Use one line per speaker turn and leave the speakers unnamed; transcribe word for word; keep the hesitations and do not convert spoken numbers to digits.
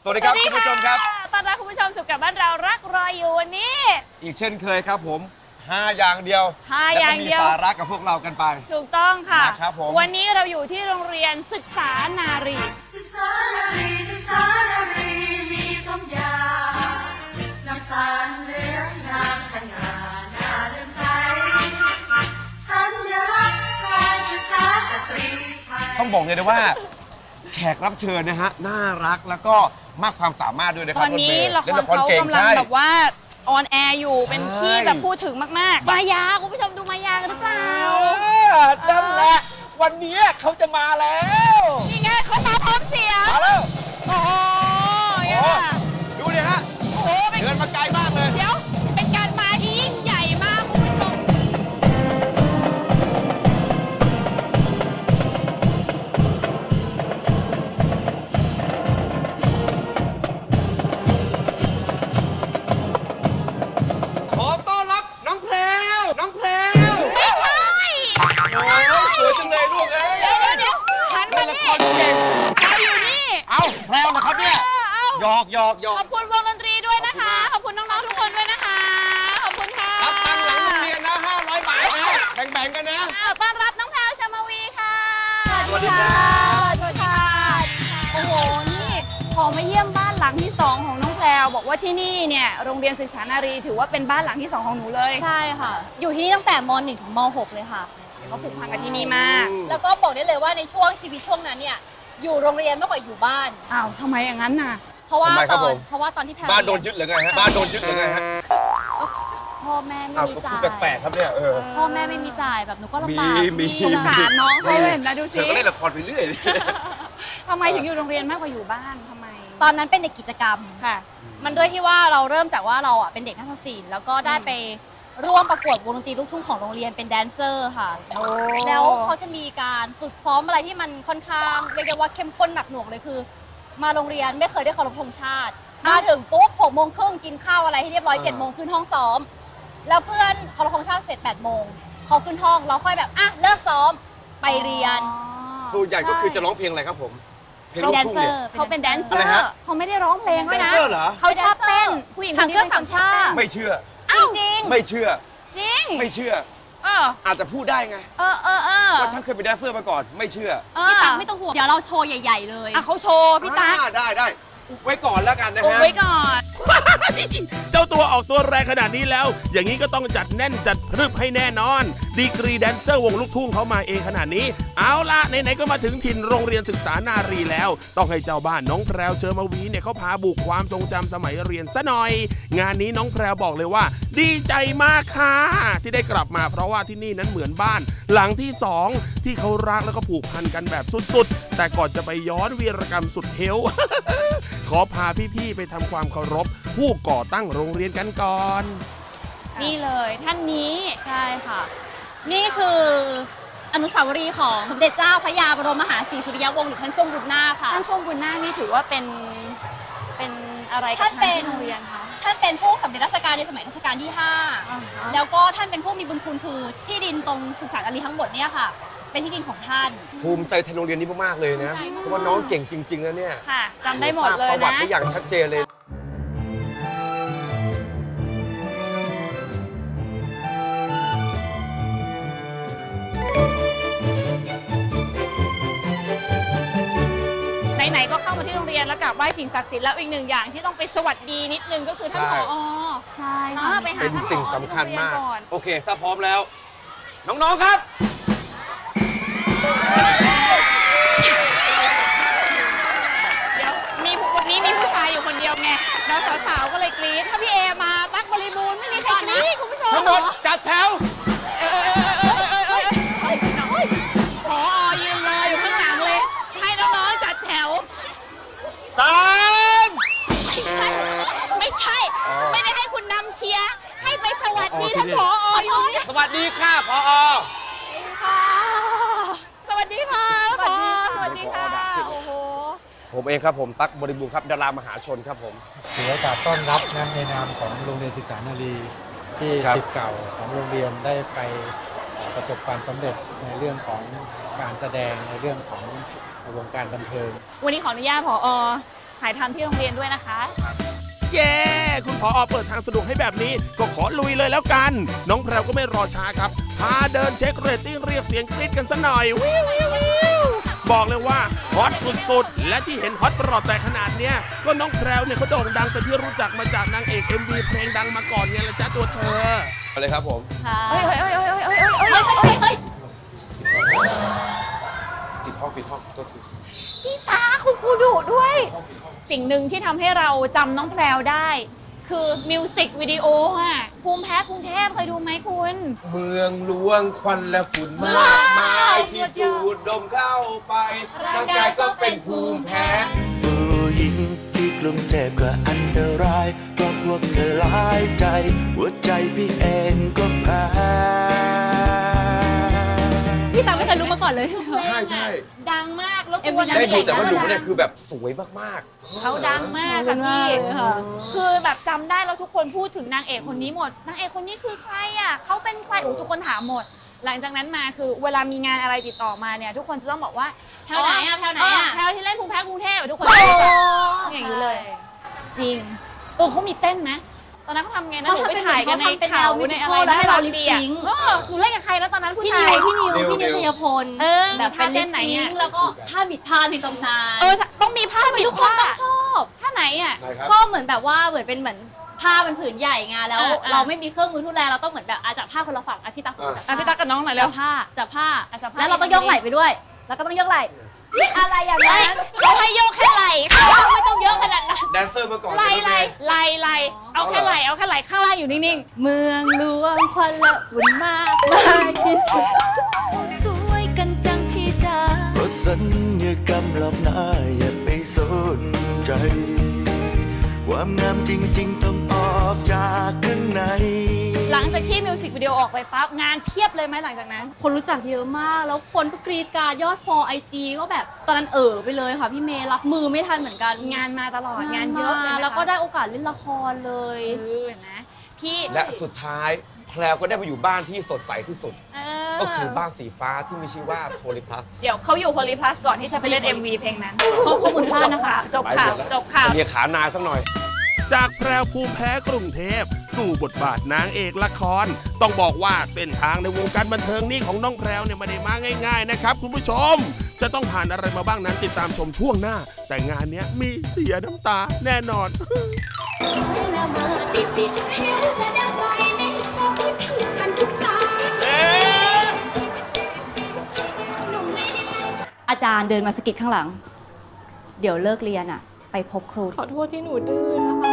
สวัสดีครับคุณผู้ชมครับ
ต้อนรับคุณผู้ชมสู่กับบ้านเรารักรออยู่วันนี้
อีกเช่นเคยครับผมห้าอย่างเดียว
ห้าอย่างเดียว
แล้วก็มีสาระกับพวกเรากันไป
ถูกต้องค่ะ
นะครับผม
วันนี้เราอยู่ที่โรงเรียนศึกษานารี
ศึกษานารีศึกษานารีมีสมญาน้ำตาลเหลืองงามสง่าน่าเลื่อมใสสัญลักษณ์การศึกษาสตรีไทย
ต้องบอกเลยนะว่าแขกรับเชิญนะฮะน่ารักแล้วก็มากความสามารถด้วยนะครั
บตอนนี้ละครเขากำลังแบบว่าออนแอร์อยู่เป็นที่แบบพูดถึงมากๆมายาคุณผู้ชมดูมายากันหรือเปล่า
นั่นแหละวันนี้เขาจะมาแล้ว
นี่ไงเขามาพร้อมเสียง
มาแล้ว
โอ้ย
ดูดิฮะ
โอ้
เดินมาไกลมากเลย
เดี๋ยวเป็นการมาที่ยิ่งใหญ่มากคุณผู้ชม
หยอกหยอกหยอก
ขอบคุณวงดนตรีด้วยนะคะขอบคุณน้องๆทุกคนด้วยนะคะขอบคุณค่ะ
รับตังค์หลังโรงเรียนนะห้าร้อยบาทนะแบ่งๆกันนะ
ต้อนรับน้องแพรวชมาวีค่ะ
สวัสดีครับ
สวัสดีค่ะโอ้โหนี่พอมาเยี่ยมบ้านหลังที่สองของน้องแพรวบอกว่าที่นี่เนี่ยโรงเรียนศึกษานารีถือว่าเป็นบ้านหลังที่สองของหนูเลย
ใช่ค่ะอยู่ที่นี่ตั้งแต่ม หนึ่ง ถึงม หก เลยค่ะ
เขาผูกพันกับที่นี่มาก
แล้วก็บอกได้เลยว่าในช่วงชีวิตช่วงนั้นเนี่ยอยู่โรงเรียนมากกว่าอยู่บ้าน
อ้าวทำไมอย่างนั้นน่ะ
เพราะว่าตอนเพราะว่าตอนที่แพร
บ้านโดนยึดหรือไงฮะบ้านโดนยึดหรือไงฮะ
พ่อแม่ไม่มีจ่าย
แปลกๆครับเนี่ยเออ
พ่อแม่ไม่มีจ่ายแบบหนูก็ลำบาก
สงสารน้องเขาเห็นนะดูสิ
เธอก็เล่นละครไปเรื่อย
ทำไมถึงอยู่โรงเรียนมากกว่าอยู่บ้านทำไม
ตอนนั้นเป็นเด็กกิจกรรม
ค่ะ
มันด้วยที่ว่าเราเริ่มจากว่าเราอ่ะเป็นเด็กนักศิลป์แล้วก็ได้ไปร่วมประกวดวงดนตรีลูกทุ่งของโรงเรียนเป็นแดนเซอร์ค่ะแล้วเขาจะมีการฝึกซ้อมอะไรที่มันค่อนข้างเรียกได้ว่าเข้มข้นหนักหน่วงเลยคือมาโรงเรียนไม่เคยได้เคารพธงชาติมาถึงปุ๊บหกโมงครึ่งกินข้าวอะไรให้เรียบร้อยเจ็ดโมงขึ้นห้องซ้อมแล้วเพื่อนเคารพธงชาติเสร็จแปดโมงเขาขึ้นห้องเราค่อยแบบอ่ะเลิกซ้อมไปเรียน
ส่วนใหญ่ก็คือจะร้องเพลงอะไรครับผมเพลง
ลูก
ทุ่ง
เนี่ย
เขาเป็นแดนเซอร์เขาไม่ได้ร้องเพลงด้วยนะเขาชอบเต้นผู้หญิงคนนี้เป็นคนชอบ
ไม่เชื่อ
จริง
ไม่เชื่อ
จริง
ไม่เชื่ออาจจะพูดได้ไง
เออเออเออ
ว่าฉันเคยเป็นแดนเซอร์มาก่อนไม่เชื่อ
พี่ตั๊กไม่ต้องห่วงเดี๋ยวเราโชว์ใหญ่ๆเลย
อ่ะเขาโชว์พี่ตั๊ก
ได้ได้อุบไว้ก่อนแล้วกันนะฮะ
อุบไว้ก่อน
เจ้าตัวออกตัวแรงขนาดนี้แล้วอย่างนี้ก็ต้องจัดแน่นจัดพรึบให้แน่นอนดีกรีแดนเซอร์วงลูกทุ่งเขามาเองขนาดนี้เอาล่ะไหนๆก็มาถึงถิ่นโรงเรียนศึกษานารีแล้วต้องให้เจ้าบ้านน้องแพรวเชอร์มาวีเนี่ยเขาพาบุกความทรงจำสมัยเรียนซะหน่อยงานนี้น้องแพรวบอกเลยว่าดีใจมากค่ะที่ได้กลับมาเพราะว่าที่นี่นั้นเหมือนบ้านหลังที่สองที่เขารักแล้วก็ผูกพันกันแบบสุดๆแต่ก่อนจะไปย้อนวีรกรรมสุดเฮล ขอพาพี่ๆไปทำความเคารพผู้ก่อตั้งโรงเรียนกันก่อน
นี่เลยท่านนี้
ใช่ค่ะนี่คืออนุสาวรีย์ของสมเด็จเจ้าพระยาบรมมหาศรีสุริยวงศ์หรือท่านทรงบุญนาคค่ะ
ท่านทรงบุญนาคนี่ถือว่าเป็นเป็นอะไรกับท่านที่โรงเรียนคะ
ท่านเป็นผู้สำเร็จราชการในสมัยรัชกาลที่ห้าแล้วก็ท่านเป็นผู้มีบุญคุณคือที่ดินตรงศึกษานารีทั้งหมดเนี่ยค่ะเป็นที่ดินของท่าน
ภูมิใจแทนโรงเรียนนี้มากๆเลยนะเพราะว่าน้องเก่งจริงๆนะเนี่ย
ค่ะจำได้หมดเลยนะ
ประวัติได้อย่างชัดเจนเลย
ไหนๆก็เข้ามาที่โรงเรียนแล้วกราบไหว้สิ่งศักดิ์สิทธิ์แล้วอีกหนึ่งอย่างที่ต้องไปสวัสดีนิดนึงก็คือท่านผอ.
ใช่
ไปหา
เป็นสิ่งสำคัญมากโอเคถ้าพร้อมแล้วน้องๆครับ
เดี๋ยวมีวันนี้มีผู้ชายอยู่คนเดียวไงเราสาวๆก็เลยกรี๊ดถ้าพี่เอมาตั๊กบริบูรณ์ไม่มีใครกรี๊ดคุณผู้ชม
ทั้งหมดจัดแถว
ผอ.ยืนรออยู่ข้างหลังเลยให้น้องๆจัดแถว
สาม
ไม่ใช่ไม่ใช่ไม่ได้ให้คุณนำเชียร์ให้ไปสวัสดีท่านผอ.อยู่นี่
สวัสดีค่ะผอ.
สวัสดีค่ะผอ.สวัสดีค่ะโอ้โห
ผมเองครับผมตั๊กบริบูรณ์ครับดารามหาชนครับผม
ถือโอกาสต้อนรับนะในนามของโรงเรียนศึกษานารีที่ศิษย์เก่าของโรงเรียนได้ไปประสบความสำเร็จในเรื่องของการแสดงในเรื่องของวงการบันเทิง
วันนี้ขออนุญาตผอ.ทถ่ายทำที่โรงเรียนด้วยนะคะ
เย้คุณผอเปิดทางสะดวกให้แบบนี้ก็ขอลุยเลยแล้วกัน น้องแพรวก็ไม่รอช้าครับ พาเดินเช็คเรตติ้งเรียกเสียงกรี๊ดกันซะหน่อยวิววิววิวบอกเลยว่าฮอตสุดๆ และที่เห็นฮอตประหลอดแต่ขนาดเนี้ยก็น้องแพรวเนี่ยเขาโด่งดังเป็นที่รู้จักมาจากนางเอก เอ็ม วี เพลงดังมาก่อนไงละจ้าตัวเธอ
เอาเลยครับผม
ค่ะ
เฮ้ยเฮ้ยเฮ้ยเฮ้ยเฮ้ยเฮ้ย
เฮ้ยเฮ้ยเฮ้ย
ปิดห้องปิดห้องตัวที
พี่ตาคุณครูดุด้วย สิ่งหนึ่งที่ทำให้เราจำน้องแพรวได้ คือมิวสิกวิดีโออ่ะภูมิแพ้กรุงเทพเคยดูไหมคุณ
เมืองหลวงควันและฝุ่นมากมายที่สูดดมเข้าไปร่างกายก็เป็นภูมิแพ้
ผู้หญิงที่กรุงเทพก็อันตรายเพราะพวกเธอหลายใจ หัวใจพี่เองก็แพ้
พี่ตาไม่เคยรู้มาก่อนเลย
ใช่ใช่
ดังมากแล้ว
เอ็ม
ตั
วี
ว
นั้
นาง
ได้
เอ
ดู
ก
แต่ว่าดู
ก็
เนี่ย
ดัง
คือแบบสวยมาก
เขาดังมากค่ะพี่
ค่ะ
คือแบบจำได้แล้วทุกคนพูดถึงนางเอกคนนี้หมด นางเอกคนนี้คือใครอ่ะเขาเป็นใครโอ้ทุกคนถามหมด หลังจากนั้นมาคือเวลามีงานอะไรติดต่อมาเนี่ยทุกคนจะต้องบอกว่า
แถวไหนอะแถวไหนอะ
แถวที่เล่นภูมิแพ้กรุงเทพอะทุกคนจะรู้จักอย่างนี้เลย จริง เออเขามีเต้นไหมตอนนั้นเขาทำไงนะหนูไปถ่ายกันในเขาในอะไร
แล้วให้เราลิป
ดี
ซิงค์
เออหนูเล่นกับใครแล้วตอนนั้นผู้
พี่
ชา
นิ
ยว
พี่นิวพี่นิวชัยพล
เออ
แบบเป็น
มีท่าเต้
ลิ
น
ป
ไหน
ซิ
อะ
งค์แล้วก็ท่าบิดพานในตำนาน
เออต้องมีผ้าปิด
ทุกคนต้องชอบ
ท่าไหนอ่ะ
ๆ
ก็เหมือนแบบว่าเหมือนเป็นเหมือนผ้ามันผืนใหญ่ไงแล้ว
อ่าอ่า
เราไม่มีเครื่องมือทุนแรงเราต้องเหมือนแบบอาจับผ้าคนละฝั่งอ่ะพี่ตั๊กสมมติจับ
อ่ะพี่ตั๊กกับน้องหน่อยเร็
จั
ว
บผ้าจับผ้า
อ่ะจับผ้า
แล้วเราต้องยกไหล่ไปด้วย แล้วก็ต้องยกไหล่อะไรอย่าง
ไล่
นั้น
เขาให้โยกแค่ไหล่เขาไม่ต้องเยอะขนาดนั้น
แดนเซอร์มาก่อน
ไหล่ไหล่
เลย
ไหล่ไหล่เอาแค่ไหล่เอาแค่ไหล่ข้างล่างอยู่นิ่ง
เมืองหลวงควันและฝุ่นมากมายที่สุด
ๆสวยกันจังพี่จ๋า
เพราะสัญญากรรมหลอกหน้าอย่าไปสนใจ ความงามจริงๆต้องออกจากข้างใน
หลังจากที่มิวสิกวิดีโอออกไปปั๊บงานเพียบเลยไหมหลังจากนั้น
คนรู้จักเยอะมาก แล้วคนก็กรีดกรารยอดฟอลไอจีก็แบบตอนนั้นเออไปเลยค่ะพี่เมย์รับมือไม่ทันเหมือนกัน
งานมาตลอดงานเยอะเลยไหมคะ
แล้วก็ได้โอกาสเล่นละครเลย
เออนะพี่
และสุดท้ายแพรวก็ได้ไปอยู่บ้านที่สดใสที่สุด
เอ
ก็คือบ้านสีฟ้าที่มีชื่อว่าโพลิพลัส
เดี๋ยวเขาอยู่โพลีพลัสก่อนที่จะไปเล่น เอ็ม วี เพลงนั้น
เขาข้อมูลพลาดนะคะ
จบข่าวจบข่าว
เรียกขานายสักหน่อย
จากแพรวภูมิแพ้กรุงเทพสู่บทบาทนางเอกละคร ต้องบอกว่าเส้นทางในวงการบันเทิงนี่ของน้องแพรวเนี่ยไม่ได้มาง่ายๆนะครับคุณผู้ชม จะต้องผ่านอะไรมาบ้างนั้นติดตามชมช่วงหน้า แต่งานเนี้ยมีเสียน้ำตาแน่นอน
อาจารย์เดินมาสะกิดข้างหลัง เดี๋ยวเลิกเรียนอ่ะ ไปพบครู
ขอโทษที่หนูดื้อนะคะ